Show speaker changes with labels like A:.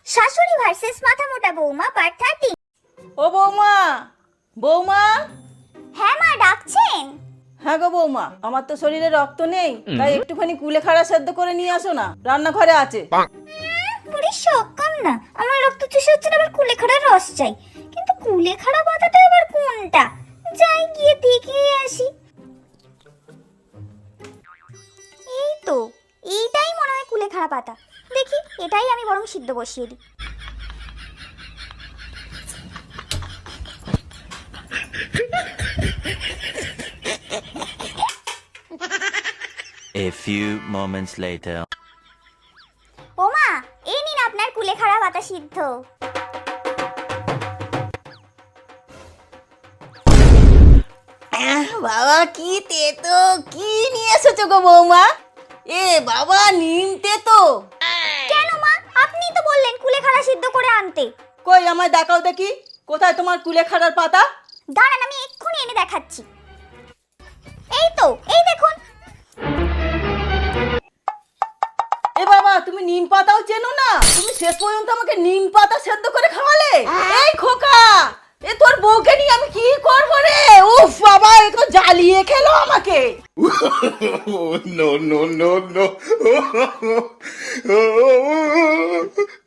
A: শাশুড়ি ভার্সেস মাথা মোটা বৌমা পার্ট 30।
B: ও বৌমা, বৌমা।
A: হ্যাঁ মা, ডাকছেন?
B: হ্যাঁ গো বৌমা, আমার তো শরীরে রক্ত নেই, তাই একটুখানি কুলেখাড়া সেদ্ধ করে নিয়ে আসো না, রান্নাঘরে আছে।
A: পুরি সক্ষম না, আমার রক্ত চুষে হচ্ছে না, আবার কুলেখাড়ার রস চাই। কিন্তু কুলেখাড়া পাতাটা আবার কোনটা? যাই গিয়ে দেখে আসি। এই তো, এইটাই মনে হয় কুলেখাড়া পাতা। দেখি, এটাই আমি বরং সিদ্ধ বসিয়ে দিই।
C: A few moments later.
A: ওমা, এই নিন আপনার কুলেখাড়া পাতা সিদ্ধ।
B: বাবা কি তেতো, কি নিয়ে এসেছো গো বৌমা? এ বাবা, নিম তেতো।
A: কেন মা, আপনি তো বললেন কুলেখাড়া সিদ্ধ করে আনতে।
B: কই আমায় দেখাও দেখি, কোথায় তোমার কুলেখাড়ার পাতা?
A: দাঁড়ান, আমি এক্ষুনি এনে দেখাচ্ছি। এই তো, এই দেখুন।
B: এ বাবা, তুমি নিম পাতাও চেনো না? তুমি শেষ পর্যন্ত আমাকে নিম পাতা সেদ্ধ করে খাওয়ালে? এই খোকা, এ তোর বউকে নিয়ে আমি কি করবো রে? উফ বাবা, এ তো জ্বালিয়ে খেলো আমাকে।
D: No, no, no, no.